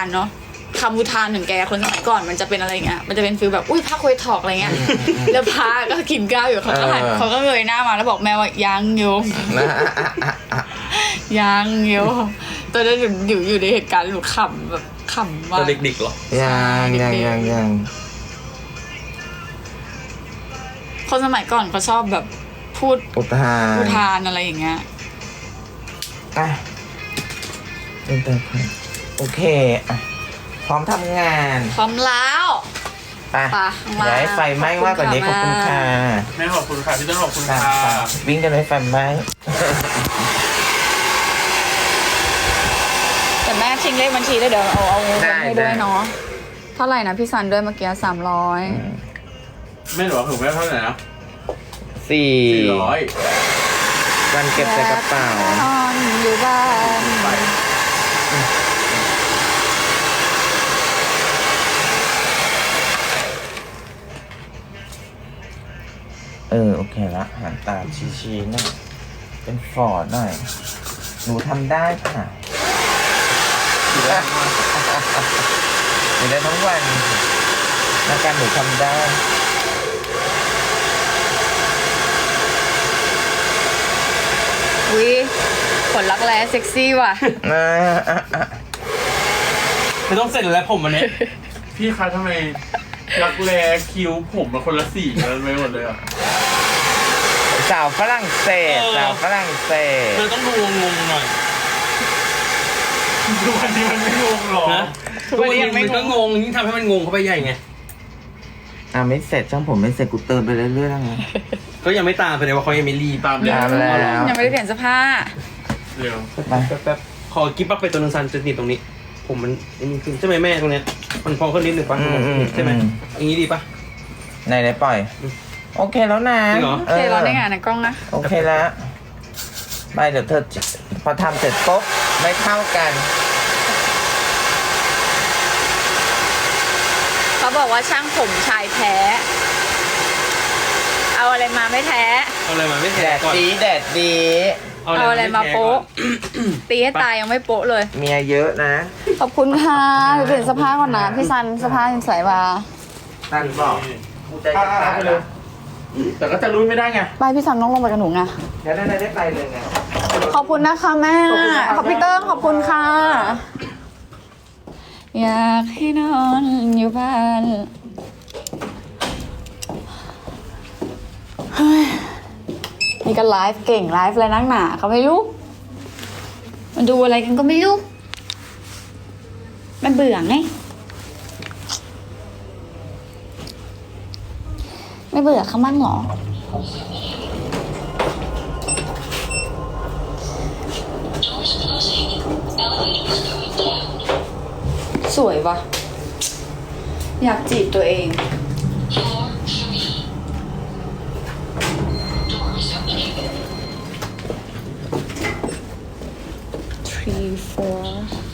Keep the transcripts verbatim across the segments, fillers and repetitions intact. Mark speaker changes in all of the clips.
Speaker 1: านเนาะคำอุทานถึงแกคนสมัยก่อนมันจะเป็นอะไรเงี้ยมันจะเป็นฟีลแบบอุ้ยพระคุยถอกอะไรเงี้ยแล้วพระก็กินข้าวอยู่เขาก็หันเขาก็เงยหน้ามาแล้วบอกแม่ว่ายังโยมยังโยมตอนนั้นอยู่อยู่ในเหตุการณ์หนูขำแบบขำมาก
Speaker 2: ตัวเด็กๆหรอ
Speaker 3: ยังยังยังยัง
Speaker 1: คนสมัยก่อนเขาชอบแบบพูด
Speaker 3: อุทาน
Speaker 1: อุทานอะไรอย่างเงี้ย
Speaker 3: อ่ะโอเคอ่ะพร้อมทำงาน
Speaker 1: พร้อมแล้ว
Speaker 3: ไปอย่าให้ไฟไหม้มากกว่านี้ขอบคุณค่ะ
Speaker 2: แม่ขอบคุณค่ะพี่ต้นขอบคุณค่ะ
Speaker 3: วิ่งกันให้ไฟไหม้
Speaker 1: แต่แม่ทิ้งเลขบัญชีได้เดี๋ยวเอาเอาเงินให้ด้วยเนาะเท่าไหร่นะพี่ซันด้วยเมื่อกี้สามร้อย
Speaker 2: แม่หนูถึงแม่เท่าไหร่นะ
Speaker 3: สี่
Speaker 2: สี่ร้อย
Speaker 3: กันเก็บใส่กระเป๋าน
Speaker 1: อนอยู่บ้าน
Speaker 3: เออโอเคละหันตาชี้ๆหน่อยเป็นฟอร์ดหน่อยหนูทำได้ค่ะอยู่ได้อยู่ได้ทั้งวันแล้วการหนูทำได้
Speaker 1: วิผลลักแร้เซ็กซี่ว่ะ
Speaker 2: ไม่ต้องเสร็จแล้วผมวันนี้พี่คะทำไมรักแร้คิ้วผมมันคนละสีกันไปหมดเลยอ่ะ
Speaker 3: สาวฝรั่งเศสสาวฝรั่งเศส
Speaker 2: มันต้องดูงงๆหน่อยทุกวันนี้มันไม่งงหรอทุกวันนี้มันก็งงยิ่งทำให้มันงงเข้าไปใหญ่ไง
Speaker 3: อ่ะไม่เสร็จช่างผมไม่เสร็จกูเติมไปเรื่อยๆแล้วไง
Speaker 2: ก็ยังไม่ตามแสดงว่าเขายังไม่รีบตาม
Speaker 3: แล้ว
Speaker 1: ยังไม่ได้เปลี่ยนเสื้อผ้า
Speaker 2: เร็วแป๊บๆขอกิ๊บปั๊บไปตัวนึงซันจะติดตรงนี้ผมมันนี่ขึ้นใช่ไหมแม่ตรงเนี้ยมันพอขึ้นนิดหนึ่งป่ะใช่ไหมอย่างนี้ดีป่ะ
Speaker 3: ไหนไหนปล่อยโอเคแล้วนะ
Speaker 1: โอเคเราได้งานในกล้องนะ
Speaker 3: โอเคแล้วไปเดี๋ยวเธอพอทำเสร็จปุ๊บไม่เข้ากัน
Speaker 1: เขาบอกว่าช่างผมชายแท้เอาอะไรมาไม่แท้
Speaker 2: เอาอะไรมาไม่แท้
Speaker 3: แดดดีแดดดี
Speaker 1: เอาอะไรมาโป๊ะตีให้ตายยังไม่โป๊ะเลย
Speaker 3: เมียเยอะนะ
Speaker 1: ขอบคุณค่ะเปลี่ยนเสื้อผ้าก่อนนะพี่ซันเสื้อผ้ายังใส่มา
Speaker 3: ซันบอกกูใจจะขาดเลยแต่ก็จะรู้ไม่ได้ไง
Speaker 1: ไปพี่ซันต้องลงไปกับหนูไง
Speaker 3: เดี๋ยวได้ได้ไปเลยไง
Speaker 1: ขอบคุณนะคะแม่ขอบพี่เติ้งขอบคุณค่ะอยากให้นอนอยู่บ้านนี่ก็ไลฟ์เก่งไลฟ์อะไรนักหนาเขาไม่รู้มันดูอะไรกันก็ไม่รู้มันเบื่อไงไม่เบื่อเขามั่งหรอสวยวะอยากจีบตัวเองthree four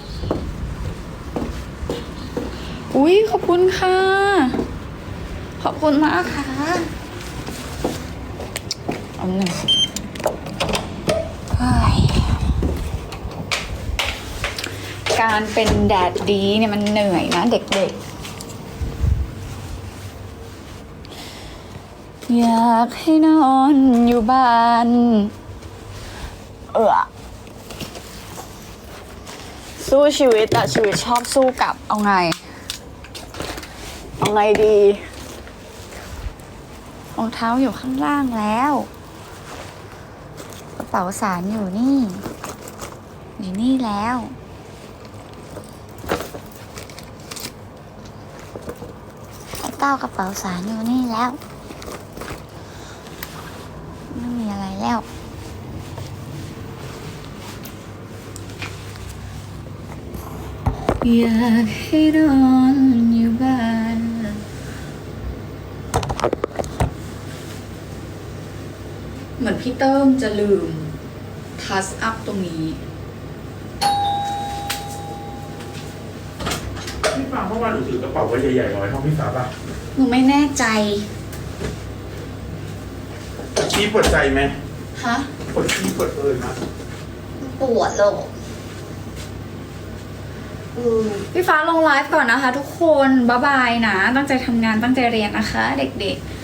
Speaker 1: อุ้ยขอบคุณค่ะขอบคุณมากค่ะเอาหนึ่งการเป็นแดดดีเนี่ยมันเหนื่อยนะเด็กๆอยากให้นอนอยู่บ้านเออสู้ชีวิตแต่ชีวิตชอบสู้กลับเอาไงเอาไงดีรองเท้าอยู่ข้างล่างแล้วกระเป๋าสารอยู่นี่อยู่นี่แล้วไอ้เต้ากระเป๋าสารอยู่นี่แล้วไม่มีอะไรแล้วอยากให้นอนอยู่บ้านเหมือนพี่เติ้มจะลืมทัชอัพตรงนี้
Speaker 2: พี่ฟ้าเมื่อวานหนูถือกระเป๋าไว้ใหญ่ๆไว้ห้องพี่ฟ้าป่ะ
Speaker 1: หนูไม่แน่ใจ
Speaker 2: พี่ปวดใจไหม
Speaker 1: ฮะ
Speaker 2: ปวดพี่ปวดเอิญนะ
Speaker 1: ปวดหรอกปพี่ฟ้าลงไลฟ์ก่อนนะคะทุกคนบ๊ายบายนะ ตั้งใจทำงานตั้งใจเรียนนะคะ เด็กๆ